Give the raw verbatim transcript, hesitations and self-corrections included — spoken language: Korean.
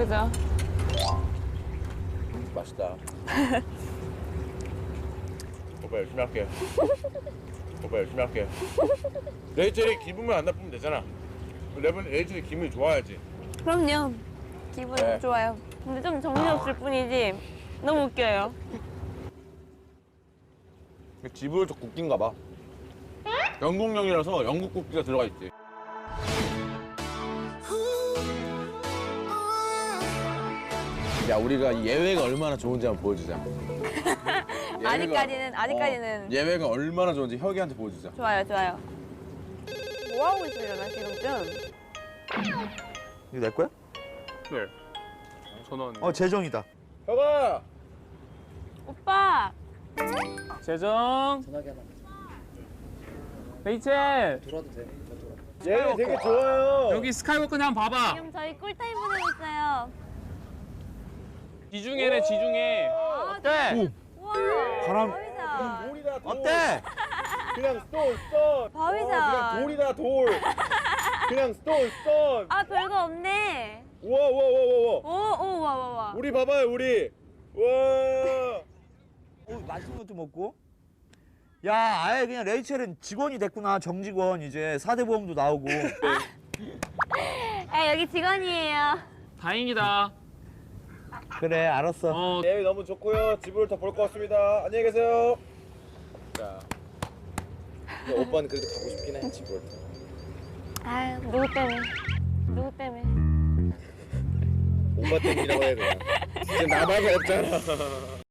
그죠? 음, 맛있다. 오빠 열심히 할게. 오빠 열심히 할게. 레이첼이 기분만 안 나쁘면 되잖아. 레이첼 레이첼이 기분이 좋아야지. 그럼요. 기분 네. 좋아요. 근데 좀 정신없을 뿐이지 너무 웃겨요. 지브롤터 국기인가 봐. 영국령이라서 영국 국기가 들어가 있지. 야, 우리가 이 예외가 얼마나 좋은지 한번 보여주자. 예외가- 아직까지는 아직까지는 어, 예외가 얼마나 좋은지 혁이한테 보여주자. 좋아요, 좋아요. 뭐 하고 있으려나 지금쯤? 이거 내 거야? 네. 전원. 어, 재정이다. 혁아! 오빠. 재정. 레이첼. 얘 되게 좋아요. 여기 스카이워크는 한번 봐봐. 지금 저희 꿀타임 보내고 있어요. 지중해네 지중해. 아, 어때? 우와. 바람. 바위다. 돌이다, 돌. 어때? 그냥 스톤, 스톤. 바위다. 어, 그냥 돌이다, 돌. 그냥 스톤, 스톤. 아 별거 없네. 우와, 우와, 우와, 우와. 오, 오, 와, 와, 와. 우리 봐봐요, 우리. 우와. 어, 맛있는 것도 먹고. 야, 아예 그냥 레이첼은 직원이 됐구나. 정직원 이제 사대 보험도 나오고. 아 여기 직원이에요. 다행이다. 그래, 알았어. 어. 예비 너무 좋고요. 집을 더 볼 것 같습니다. 안녕히 계세요. 자, 오빠는 그래도 가고 싶긴 해, 집을. 아 누구 때문에? 누구 때문에? 오빠 때문이라고 해야 돼. 지금 나밖에 없잖아.